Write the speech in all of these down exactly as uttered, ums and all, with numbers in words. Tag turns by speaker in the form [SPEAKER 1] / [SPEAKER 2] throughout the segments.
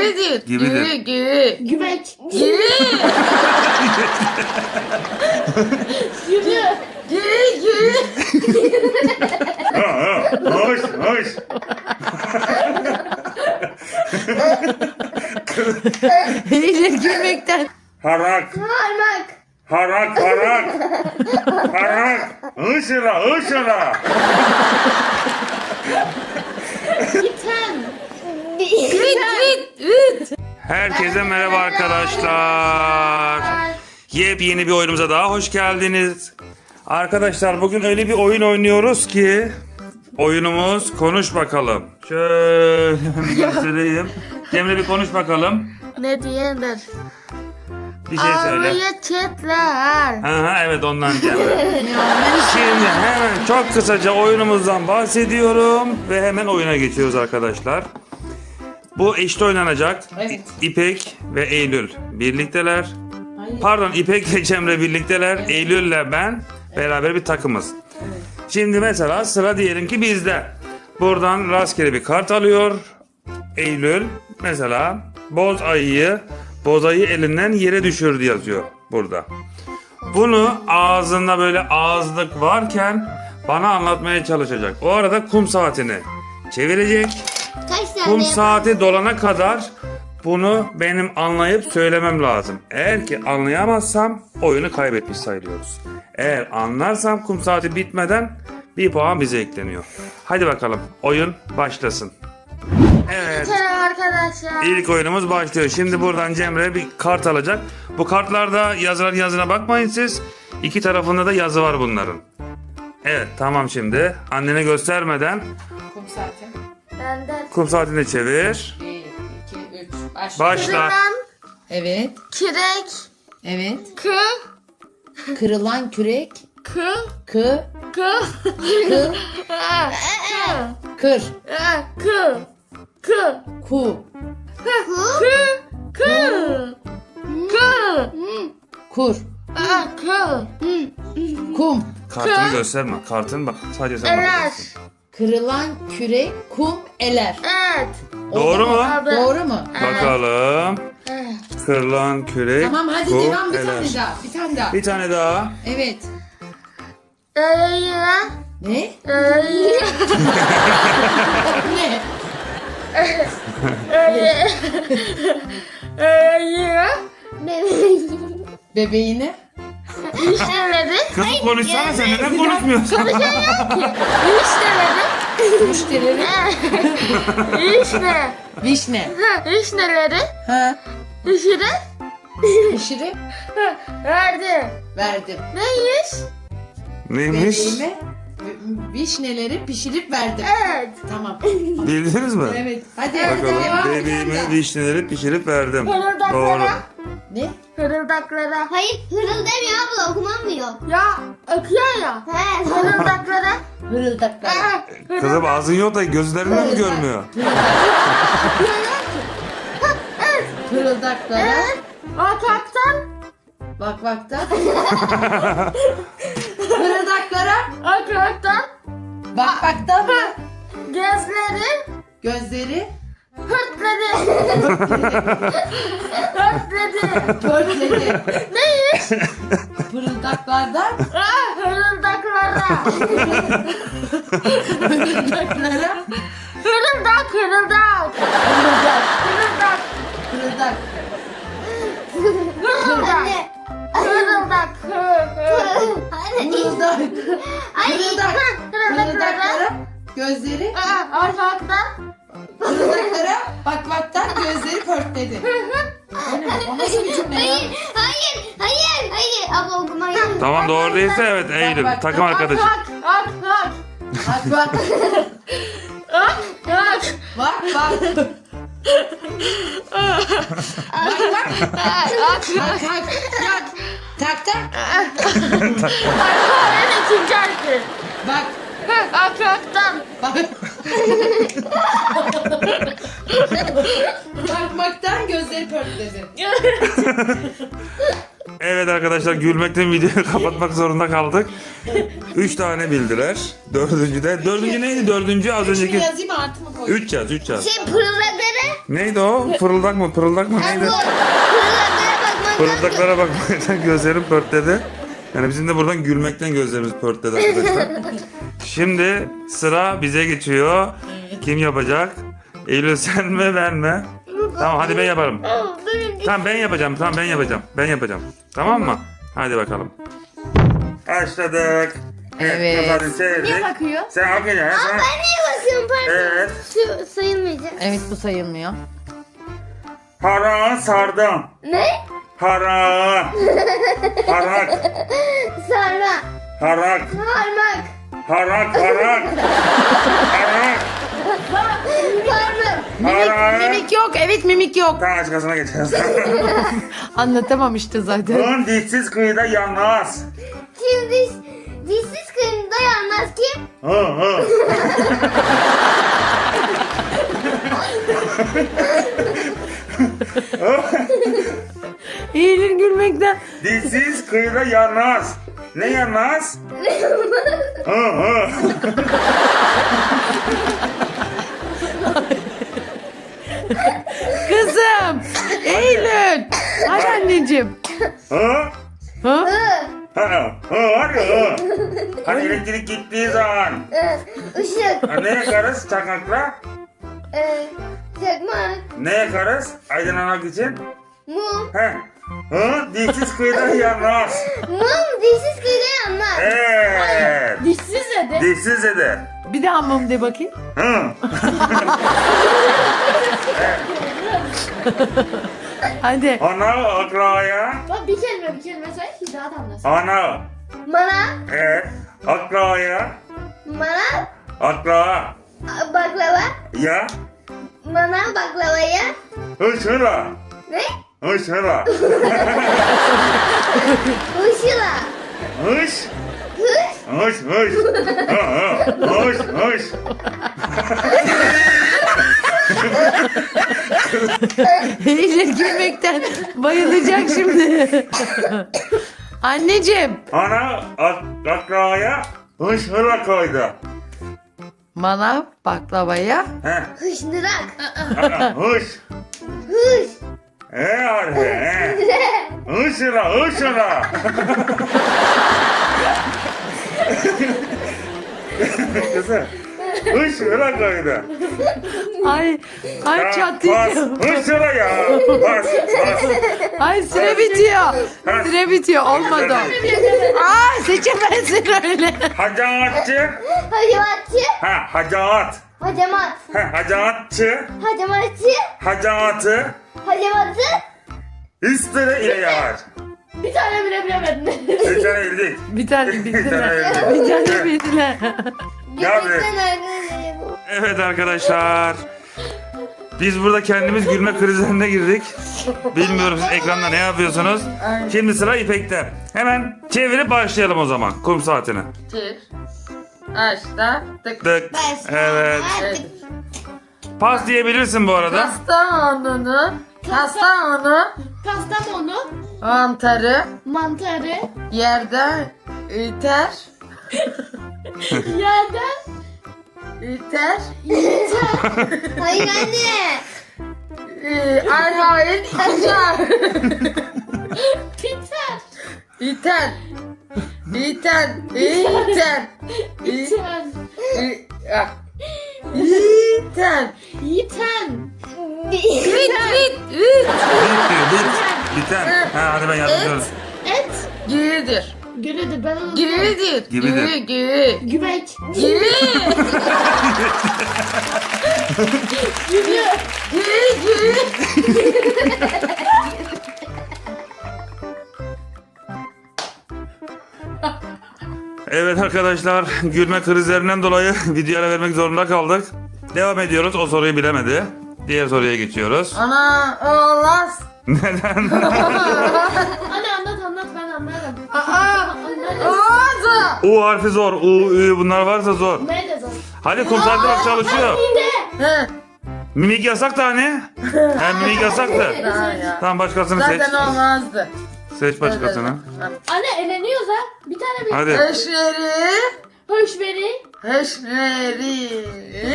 [SPEAKER 1] Gibidir.
[SPEAKER 2] Gibidir.
[SPEAKER 1] Gibi gibi.
[SPEAKER 3] Güveç.
[SPEAKER 1] Gibi. Gibi. Gibi gibi.
[SPEAKER 2] Ha ha. Hoş hoş.
[SPEAKER 1] Eğilir gülmekten.
[SPEAKER 2] Harak.
[SPEAKER 3] Parmak.
[SPEAKER 2] Harak harak. Harak. Hışıra hışıra.
[SPEAKER 3] Biten.
[SPEAKER 1] Vit vit vit.
[SPEAKER 2] Herkese merhaba arkadaşlar. Yepyeni bir oyunumuza daha hoş geldiniz. Arkadaşlar bugün öyle bir oyun oynuyoruz ki oyunumuz konuş bakalım. Şöyle bir göstereyim. Cemre bir konuş bakalım.
[SPEAKER 1] Ne diyendir?
[SPEAKER 2] Bir şey söyle.
[SPEAKER 1] Ağrıya çetler.
[SPEAKER 2] Ha, ha, evet ondan Cemre. Şimdi hemen çok kısaca oyunumuzdan bahsediyorum ve hemen oyuna geçiyoruz arkadaşlar. Bu eşli oynanacak.
[SPEAKER 1] Evet.
[SPEAKER 2] İpek ve Eylül birlikteler.
[SPEAKER 1] Hayır.
[SPEAKER 2] Pardon, İpek ve Cemre birlikteler.
[SPEAKER 1] Evet.
[SPEAKER 2] Eylül'le ben beraber bir takımız. Şimdi mesela sıra diyelim ki bizde. Buradan rastgele bir kart alıyor Eylül. Mesela boz ayıyı, boz ayı elinden yere düşürdü yazıyor burada. Bunu ağzında böyle ağızlık varken bana anlatmaya çalışacak. O arada kum saatini çevirecek.
[SPEAKER 3] Kaç tane
[SPEAKER 2] Kum
[SPEAKER 3] yapar?
[SPEAKER 2] saati dolana kadar bunu benim anlayıp söylemem lazım. Eğer ki anlayamazsam oyunu kaybetmiş sayılıyoruz. Eğer anlarsam kum saati bitmeden bir puan bize ekleniyor. Hadi bakalım oyun başlasın. Evet.
[SPEAKER 1] Selam arkadaşlar.
[SPEAKER 2] İlk oyunumuz başlıyor. Şimdi buradan Cemre bir kart alacak. Bu kartlarda yazılan yazına bakmayın siz. İki tarafında da yazı var bunların. Evet tamam şimdi. Annene göstermeden
[SPEAKER 4] Kum saati.
[SPEAKER 1] Benden.
[SPEAKER 2] kum saatini çevir.
[SPEAKER 4] bir, iki, üç. Başla.
[SPEAKER 2] Başla.
[SPEAKER 1] Kırılan
[SPEAKER 4] Evet.
[SPEAKER 1] kürek.
[SPEAKER 4] Evet.
[SPEAKER 1] Kı.
[SPEAKER 4] Kırılan kürek.
[SPEAKER 1] Kı.
[SPEAKER 4] Kı.
[SPEAKER 1] Kı.
[SPEAKER 4] Kı.
[SPEAKER 1] Kı.
[SPEAKER 4] Kır.
[SPEAKER 1] Kı. Kı.
[SPEAKER 4] Ku.
[SPEAKER 1] Kı. Kı. Kı.
[SPEAKER 4] Kur.
[SPEAKER 1] Kı.
[SPEAKER 4] Kum.
[SPEAKER 2] Kartını gösterme. Kartın bak. Sadece sen
[SPEAKER 1] Eler.
[SPEAKER 2] bakacaksın.
[SPEAKER 4] Kırılan kürek. Kum. Eler.
[SPEAKER 1] Evet.
[SPEAKER 2] Doğru mu?
[SPEAKER 4] Doğru mu?
[SPEAKER 2] Bakalım.
[SPEAKER 1] Evet.
[SPEAKER 2] Kırılan kürek.
[SPEAKER 4] Tamam hadi
[SPEAKER 2] kum,
[SPEAKER 4] devam bir
[SPEAKER 2] eler.
[SPEAKER 4] tane daha. Bir tane daha.
[SPEAKER 2] Bir tane daha.
[SPEAKER 4] Evet.
[SPEAKER 1] Eğer.
[SPEAKER 4] Ne?
[SPEAKER 1] Eğer.
[SPEAKER 4] Ne?
[SPEAKER 1] Eğer.
[SPEAKER 4] Bebeğine.
[SPEAKER 1] Müşterileri.
[SPEAKER 2] Kızım konuşsana sen neden konuşmuyorsun?
[SPEAKER 1] Müşterileri.
[SPEAKER 4] Müşterileri.
[SPEAKER 1] İşte.
[SPEAKER 4] Vişne.
[SPEAKER 1] Vişneleri
[SPEAKER 4] Ha.
[SPEAKER 1] pişirip
[SPEAKER 4] Pişirip
[SPEAKER 1] verdi.
[SPEAKER 4] verdim.
[SPEAKER 1] Neymiş?
[SPEAKER 2] Neymiş?
[SPEAKER 4] Bebeğime vi- vişneleri pişirip verdim.
[SPEAKER 1] Evet.
[SPEAKER 4] Tamam.
[SPEAKER 2] Bildiniz mi?
[SPEAKER 4] Evet. Hadi
[SPEAKER 2] Bakalım
[SPEAKER 4] devam bir tane
[SPEAKER 2] bebeğime
[SPEAKER 4] daha.
[SPEAKER 2] vişneleri pişirip verdim. Doğru.
[SPEAKER 1] Hırıldaklara.
[SPEAKER 4] Ne?
[SPEAKER 1] Hırıldaklara.
[SPEAKER 3] Hayır hırıl demiyor abla okumamıyor.
[SPEAKER 1] Ya akıyor ya.
[SPEAKER 3] He.
[SPEAKER 1] Hırıldaklara.
[SPEAKER 4] Hırıldaklar.
[SPEAKER 2] Kızım ağzın yok da gözlerinden mi görmüyor?
[SPEAKER 4] Hırıldaklara.
[SPEAKER 1] Evet. Akaktan.
[SPEAKER 4] Bak bak da. Hırıldaklara.
[SPEAKER 1] Akaktan.
[SPEAKER 4] Bak bak da mı?
[SPEAKER 1] Gözleri.
[SPEAKER 4] Gözleri
[SPEAKER 1] Hırtledi. Hırtledi.
[SPEAKER 4] törtledi.
[SPEAKER 1] Neymiş?
[SPEAKER 4] Hırıldaklardan
[SPEAKER 1] Ah, hırıldaklara.
[SPEAKER 4] hırıldaklara.
[SPEAKER 1] Hırıldak hırıldak.
[SPEAKER 4] Hırıldak.
[SPEAKER 1] Hırıldak.
[SPEAKER 4] Hırıldak.
[SPEAKER 1] Hırıldak.
[SPEAKER 3] Anne.
[SPEAKER 1] Hırıldak. Hı, hı.
[SPEAKER 3] Anne.
[SPEAKER 4] Hırıldak.
[SPEAKER 3] Ay.
[SPEAKER 4] Hırıldak.
[SPEAKER 1] Hırıldaklara.
[SPEAKER 4] Hırıldaklara. Gözleri.
[SPEAKER 1] Ah, Akaktan.
[SPEAKER 4] Hırıldaklara. Bak baktan gözleri pörtledi. O ne? O nasıl bir cümle ya?
[SPEAKER 3] Hayır. Hayır. Hayır. Hayır. Abla okumayı.
[SPEAKER 2] Tamam doğru değilse evet Eylül.
[SPEAKER 4] bak,
[SPEAKER 2] Takım arkadaşı.
[SPEAKER 1] Ak ak ak.
[SPEAKER 4] Bak bak.
[SPEAKER 1] Ak ak.
[SPEAKER 4] Bak bak. Bak bak.
[SPEAKER 1] Ak ak.
[SPEAKER 4] Bak bak. Bak. Tak tak.
[SPEAKER 1] Akak'ın ikinci harfi.
[SPEAKER 4] Bak.
[SPEAKER 1] Akaktan.
[SPEAKER 4] Bak. Bakmaktan gözleri pörtledi.
[SPEAKER 2] Evet arkadaşlar gülmekten videoyu kapatmak zorunda kaldık. Üç tane bildiler. Dördüncü de. Dördüncü neydi? Dördüncü az
[SPEAKER 4] Şunu
[SPEAKER 2] önceki.
[SPEAKER 4] yazayım artı mı koyayım?
[SPEAKER 2] Üç yaz, üç yaz.
[SPEAKER 3] Şey pırıldakları.
[SPEAKER 2] Neydi o? Fırıldak mı? Pırıldak mı? Neydi?
[SPEAKER 3] Bu fırıldaklara bakmaktan
[SPEAKER 2] Fırıldaklara bakmaktan gözlerim pörtledi. Yani bizim de buradan gülmekten gözlerimiz pörtledi arkadaşlar. Şimdi sıra bize geçiyor. Kim yapacak? Eylül sen mi ben mi? Tamam hadi ben yaparım. Tamam ben yapacağım. Tamam ben yapacağım. Ben yapacağım. Tamam mı? Hadi bakalım. Başladık.
[SPEAKER 5] Evet.
[SPEAKER 2] Hadi çevirdik.
[SPEAKER 1] Niye bakıyor?
[SPEAKER 2] Sen hak ediyorsun.
[SPEAKER 3] Ben niye bakıyorum pardon?
[SPEAKER 2] Evet.
[SPEAKER 3] Şu sayılmayacak.
[SPEAKER 5] Evet bu sayılmıyor.
[SPEAKER 2] Harağı sardım.
[SPEAKER 3] Ne?
[SPEAKER 2] Harağı. Harak.
[SPEAKER 3] Sarma.
[SPEAKER 2] Harak.
[SPEAKER 3] Parmak.
[SPEAKER 2] Harak. Harak. Harak.
[SPEAKER 3] Parmak.
[SPEAKER 2] Harağı.
[SPEAKER 5] Mimik yok. Evet mimik yok.
[SPEAKER 2] Tamam başkasına geçeceğiz.
[SPEAKER 5] Anlatamam işte zaten.
[SPEAKER 2] Ön dişsiz kıyıda yanmaz.
[SPEAKER 3] Kim diş, dişsiz kıyım dayanmaz kim?
[SPEAKER 2] Hı hı.
[SPEAKER 5] Eylül gülmekten.
[SPEAKER 2] Dişsiz kıyıda yanmaz. Ne yanmaz? Hı hı.
[SPEAKER 5] Kızım. Eylül. Hadi anneciğim.
[SPEAKER 2] Hı?
[SPEAKER 5] Ha?
[SPEAKER 2] Hı hı. Hadi hı. Hani elektrik gittiği zaman.
[SPEAKER 3] Işık.
[SPEAKER 2] Ha, ne yakarız çakmakla?
[SPEAKER 3] Ee, çakmak.
[SPEAKER 2] Ne yakarız aydınlanmak için?
[SPEAKER 3] Mum.
[SPEAKER 2] He. Hı? Dişsiz kıyıda yanmaz.
[SPEAKER 3] Mum dişsiz kıyıda yanmaz.
[SPEAKER 2] Evet.
[SPEAKER 1] Dişsiz dedi.
[SPEAKER 2] Dişsiz dedi.
[SPEAKER 5] Bir daha mum de bakayım.
[SPEAKER 2] Hı.
[SPEAKER 5] Hadi.
[SPEAKER 2] Ana akraya.
[SPEAKER 1] Bak bir kelime bir kelime söyle ki daha da anlasın.
[SPEAKER 2] Ana.
[SPEAKER 3] Mana.
[SPEAKER 2] Evet. Akraya.
[SPEAKER 3] Mana.
[SPEAKER 2] Akra.
[SPEAKER 3] Baklava.
[SPEAKER 2] Ya.
[SPEAKER 3] Mana baklavaya.
[SPEAKER 2] Hışıra.
[SPEAKER 3] Ne?
[SPEAKER 2] Hışıra.
[SPEAKER 3] Işıla.
[SPEAKER 2] Hış.
[SPEAKER 3] Hış.
[SPEAKER 2] Hış hış. Hı hı. Hış hış.
[SPEAKER 5] Eylül gülmekten bayılacak şimdi. Anneciğim.
[SPEAKER 2] Ana ak akraya hışıra koydu.
[SPEAKER 5] Manav baklavaya.
[SPEAKER 2] He.
[SPEAKER 3] Hışnırak.
[SPEAKER 2] Aa, Hış.
[SPEAKER 3] Hış.
[SPEAKER 2] He harfi he. Hışıra hışıra. Kızım. Hışıra koydu.
[SPEAKER 5] Ay, ay
[SPEAKER 2] Ya,
[SPEAKER 5] çatlayacağım.
[SPEAKER 2] Bas. Hışıra ya. Bas. Bas.
[SPEAKER 5] Ay süre bitiyor. Süre bitiyor. Olmadı. Aa seçemezsin öyle.
[SPEAKER 2] Hacaatçı.
[SPEAKER 3] Hacamatçı.
[SPEAKER 2] Ha hacaat.
[SPEAKER 3] Hacamat.
[SPEAKER 2] Ha hacaatçı.
[SPEAKER 3] Hacamatçı.
[SPEAKER 2] Hacaatı.
[SPEAKER 3] Hacamatı.
[SPEAKER 2] Üstüne ile yavaş.
[SPEAKER 1] Bir tane bile bilemedin.
[SPEAKER 2] Bir tane bildik.
[SPEAKER 5] Bir tane
[SPEAKER 2] Bir tane
[SPEAKER 5] bildiler.
[SPEAKER 2] bildik.
[SPEAKER 5] Bir tane bildiler.
[SPEAKER 2] Ya be.
[SPEAKER 3] Göbekten arkadaşlar bu.
[SPEAKER 2] Evet arkadaşlar. Biz burada kendimiz gülme krizlerine girdik. Bilmiyorum siz ekranda ne yapıyorsunuz. Şimdi sıra İpek'te. Hemen çevirip başlayalım o zaman kum saatine.
[SPEAKER 5] Çevir. Açta. Tık.
[SPEAKER 2] Tık. Evet.
[SPEAKER 5] Evet.
[SPEAKER 2] Pas diyebilirsin bu arada.
[SPEAKER 5] Kastamonu. Kastamonu.
[SPEAKER 1] Kastamonu,
[SPEAKER 5] Mantarı.
[SPEAKER 1] mantarı,
[SPEAKER 5] Yerden üter.
[SPEAKER 1] yerden
[SPEAKER 5] Üter.
[SPEAKER 3] Hayır anne.
[SPEAKER 5] Ee, Arhain iter.
[SPEAKER 1] biter,
[SPEAKER 5] İter. İter. İter.
[SPEAKER 1] biten,
[SPEAKER 5] İter.
[SPEAKER 1] yiten,
[SPEAKER 5] Üt üt üt.
[SPEAKER 2] Bit diyor bit. Biten. Ha, hadi ben yardımcı olayım.
[SPEAKER 1] et,
[SPEAKER 5] Gürüdür.
[SPEAKER 1] gülüdür, ben onu
[SPEAKER 5] Gürüdür.
[SPEAKER 2] Gibidir.
[SPEAKER 5] Gürü gürü.
[SPEAKER 1] güveç,
[SPEAKER 5] Gürü.
[SPEAKER 1] gülü,
[SPEAKER 5] Gürü gürü.
[SPEAKER 2] Evet arkadaşlar gülme krizlerinden dolayı video ara vermek zorunda kaldık. Devam ediyoruz. O soruyu bilemedi. Diğer soruya geçiyoruz.
[SPEAKER 5] Ana olmaz.
[SPEAKER 2] Neden?
[SPEAKER 1] Hadi anlat anlat ben anlarım.
[SPEAKER 5] Aa.
[SPEAKER 1] Anlarım.
[SPEAKER 5] Olmaz.
[SPEAKER 2] U harfi zor. U, Ü bunlar varsa zor.
[SPEAKER 1] Ne de zor.
[SPEAKER 2] Hadi kum saati bak çalışıyor.
[SPEAKER 1] Bir de.
[SPEAKER 5] He.
[SPEAKER 2] Mimik yasak da hani. He mimik yasaktı.
[SPEAKER 5] Ha ya.
[SPEAKER 2] Tamam başkasını seç.
[SPEAKER 5] Zaten olmazdı.
[SPEAKER 2] Seç başkasını.
[SPEAKER 1] Anne eleniyoruz ha. Bir tane bir.
[SPEAKER 2] Hadi.
[SPEAKER 5] Eşleri
[SPEAKER 1] Hoşveri.
[SPEAKER 5] Heşneri.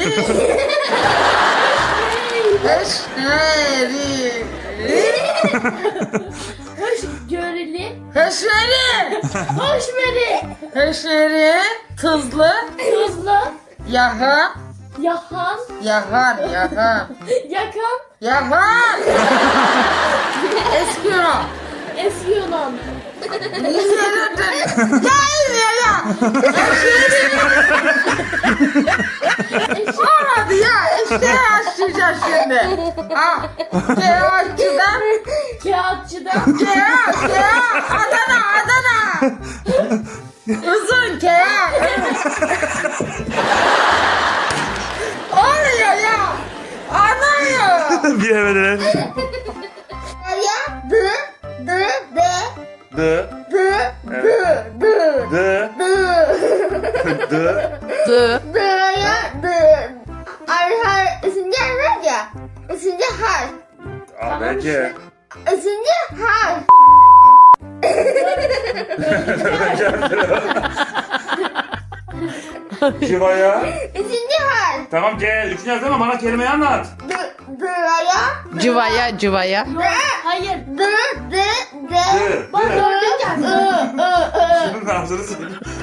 [SPEAKER 5] Heşneri.
[SPEAKER 1] Hoşgörülü.
[SPEAKER 5] Heşneri.
[SPEAKER 1] Hoşveri.
[SPEAKER 5] Heşneri. Tuzlu.
[SPEAKER 1] Tuzlu.
[SPEAKER 5] Yahan.
[SPEAKER 1] Yahan.
[SPEAKER 5] Yahan. Yahan.
[SPEAKER 1] Yakan.
[SPEAKER 5] Yahan. Eskiro.
[SPEAKER 1] Eski Yunan.
[SPEAKER 5] Olmadı ya. İşte açacağız şimdi. Ha. Kağıtçıdan.
[SPEAKER 1] Kağıtçıdan.
[SPEAKER 5] Kağıt. Kağıt. Adana. Adana. Uzun kağıt. Oluyor ya. Anlıyor.
[SPEAKER 2] Bilemediler.
[SPEAKER 3] Ya dı dı de
[SPEAKER 2] D.
[SPEAKER 3] dı dı dı
[SPEAKER 2] D.
[SPEAKER 3] dı
[SPEAKER 2] D.
[SPEAKER 5] Dı.
[SPEAKER 3] dı ya dı. Arha üçüncü harf ya. Üçüncü harf.
[SPEAKER 2] A, B, C.
[SPEAKER 3] Üçüncü harf.
[SPEAKER 2] Civaya.
[SPEAKER 3] Üçüncü harf.
[SPEAKER 2] Tamam C. Üçüncü yazdı ama bana kelimeyi anlat.
[SPEAKER 3] Dı dı ya.
[SPEAKER 5] Cıvaya. Cıvaya.
[SPEAKER 1] Yok, hayır.
[SPEAKER 3] Dı dı
[SPEAKER 2] D.
[SPEAKER 3] de.
[SPEAKER 1] Bak
[SPEAKER 2] D.
[SPEAKER 1] dördüncü harf.
[SPEAKER 3] I ı ı.
[SPEAKER 2] Şunun ağzını sil.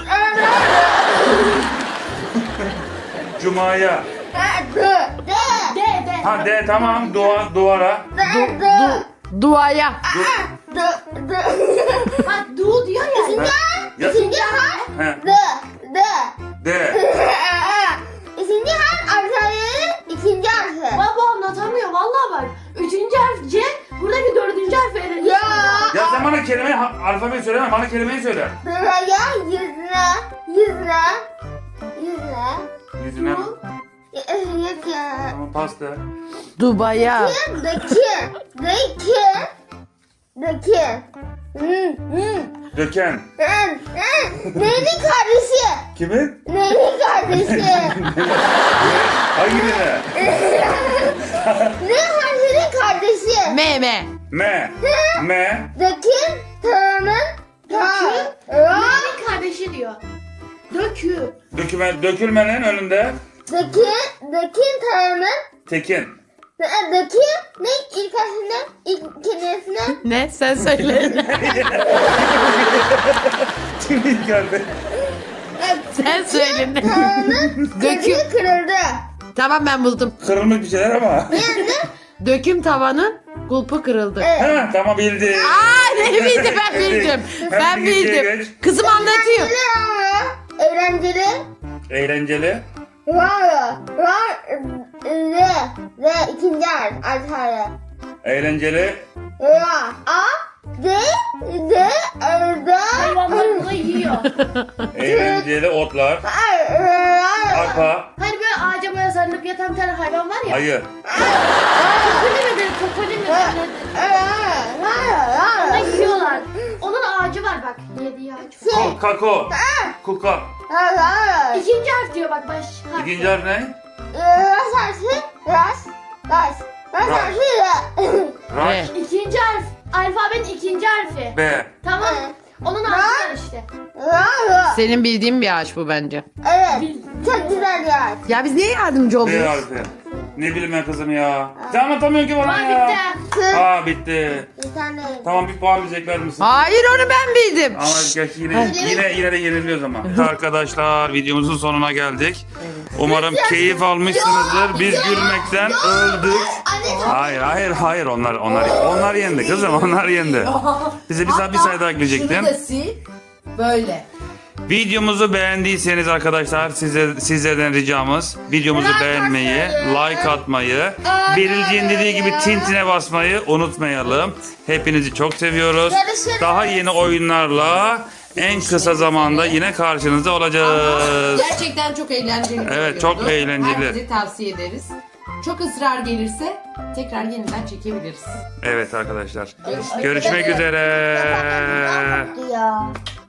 [SPEAKER 2] Cuma'ya.
[SPEAKER 3] Dı de.
[SPEAKER 1] D D.
[SPEAKER 2] Ha D tamam. Dua, duvara.
[SPEAKER 3] Dı dı.
[SPEAKER 5] Duaya.
[SPEAKER 3] Dı dı.
[SPEAKER 1] Bak du diyor ya.
[SPEAKER 3] Üçüncü harf.
[SPEAKER 2] Ya-
[SPEAKER 3] Üçüncü harf.
[SPEAKER 2] He.
[SPEAKER 3] Dı dı.
[SPEAKER 2] D.
[SPEAKER 3] Üçüncü harf Arşa'nın ikinci harfi.
[SPEAKER 1] Baba anlatamıyor vallahi bak. Üçüncü harf C. Buradaki dördüncü harf öğreniyorsun.
[SPEAKER 3] Ya.
[SPEAKER 2] Ya sen bana kelimeyi, ha- alfabeyi söyleme. Bana kelimeyi söyle.
[SPEAKER 3] Buraya yüzüne, yüzüne, yüzüne.
[SPEAKER 2] Yüzüne.
[SPEAKER 3] Yok ya.
[SPEAKER 2] Tamam pasta.
[SPEAKER 5] Dubaya.
[SPEAKER 3] Daki, daki, daki. Hmm, hmm.
[SPEAKER 2] Döken.
[SPEAKER 3] Hmm, hmm. Neyinin kardeşi?
[SPEAKER 2] Kimin?
[SPEAKER 3] Neyinin kardeşi?
[SPEAKER 2] Hangi birine?
[SPEAKER 3] Ne harfinin kardeşi?
[SPEAKER 5] Meme.
[SPEAKER 2] M. M.
[SPEAKER 3] Daki, tanın, ta, ra.
[SPEAKER 1] Neyin kardeşi diyor. Dökü.
[SPEAKER 2] Döküme, dökülmenin önünde
[SPEAKER 3] Daki, daki, tanın,
[SPEAKER 2] tekin.
[SPEAKER 3] daki, ne ilk harfinden, ilk kelimesinden?
[SPEAKER 5] Ne? Sen söyle.
[SPEAKER 2] Kimin geldi?
[SPEAKER 5] Sen söyle. Ne?
[SPEAKER 3] Tanın,
[SPEAKER 5] Dökü.
[SPEAKER 3] kırığı kırıldı.
[SPEAKER 5] Tamam ben buldum.
[SPEAKER 2] Kırılmış bir şeyler ama.
[SPEAKER 3] Yani,
[SPEAKER 5] Döküm tavanın kulpu kırıldı.
[SPEAKER 2] Ha tamam bildi.
[SPEAKER 5] Aa ne bildim ben bildim. Ben bildim. Kızım anlatıyor.
[SPEAKER 3] eğlenceli ama, eğlenceli.
[SPEAKER 2] Eğlenceli.
[SPEAKER 3] Var, var, re, re, ikinci harf, artarı.
[SPEAKER 2] Eğlenceli.
[SPEAKER 3] Ra, a, d, d, r, d,
[SPEAKER 1] Hayvanlar bunu yiyor.
[SPEAKER 2] Eğlenceli otlar.
[SPEAKER 3] r, r,
[SPEAKER 2] Arpa.
[SPEAKER 1] Hani böyle ağaca böyle sarılıp yatan bir tane hayvan var ya.
[SPEAKER 2] Ayı.
[SPEAKER 1] Kokoli mi dedi? Kokoli mi dedi? Onu yiyorlar. Onun ağacı var bak. Yediği ağaç var.
[SPEAKER 2] Ko- Kako. Kuka.
[SPEAKER 1] İkinci harf diyor bak baş harf.
[SPEAKER 2] İkinci harf ne?
[SPEAKER 3] Ras harfi, ras, ras, ras harfi, re.
[SPEAKER 2] Raş.
[SPEAKER 1] İkinci harf. Alfabenin ikinci harfi.
[SPEAKER 2] B.
[SPEAKER 1] Tamam. Onun ağacı var işte.
[SPEAKER 3] Ra, ra.
[SPEAKER 5] Senin bildiğin bir ağaç bu bence.
[SPEAKER 3] Evet, çok güzel bir harf.
[SPEAKER 5] Ya biz niye yardımcı
[SPEAKER 2] B
[SPEAKER 5] oluyoruz?
[SPEAKER 2] harfi. Ne bileyim ben kızım ya. Sen anlatamıyorsun ki bana
[SPEAKER 1] Var
[SPEAKER 2] ya.
[SPEAKER 1] bitti.
[SPEAKER 3] Kız,
[SPEAKER 2] Aa bitti.
[SPEAKER 3] bir tane.
[SPEAKER 2] Tamam bir puan bize ekler misin?
[SPEAKER 5] Hayır onu ben bildim.
[SPEAKER 2] Ama geç yine, yine, yine de yeniliyoruz ama. Arkadaşlar videomuzun sonuna geldik. Umarım keyif almışsınızdır. Biz gülmekten öldük.
[SPEAKER 3] Anne,
[SPEAKER 2] Hayır hayır hayır onlar onlar onlar yendi kızım onlar yendi. Bize bir say bir sayı daha gülecektin.
[SPEAKER 4] Şunu da sil. Böyle.
[SPEAKER 2] Videomuzu beğendiyseniz arkadaşlar size sizlerden ricamız videomuzu beğenmeyi, like atmayı, Berilciğin dediği gibi tintine basmayı unutmayalım. Hepinizi çok seviyoruz. Daha yeni oyunlarla en kısa zamanda yine karşınızda olacağız.
[SPEAKER 4] Gerçekten çok eğlenceli. bir
[SPEAKER 2] Evet, çok
[SPEAKER 4] oyundu.
[SPEAKER 2] eğlenceli.
[SPEAKER 4] Herkese tavsiye ederiz. Çok ısrar gelirse tekrar yeniden çekebiliriz.
[SPEAKER 2] Evet arkadaşlar. Görüşmek üzere.
[SPEAKER 3] ya.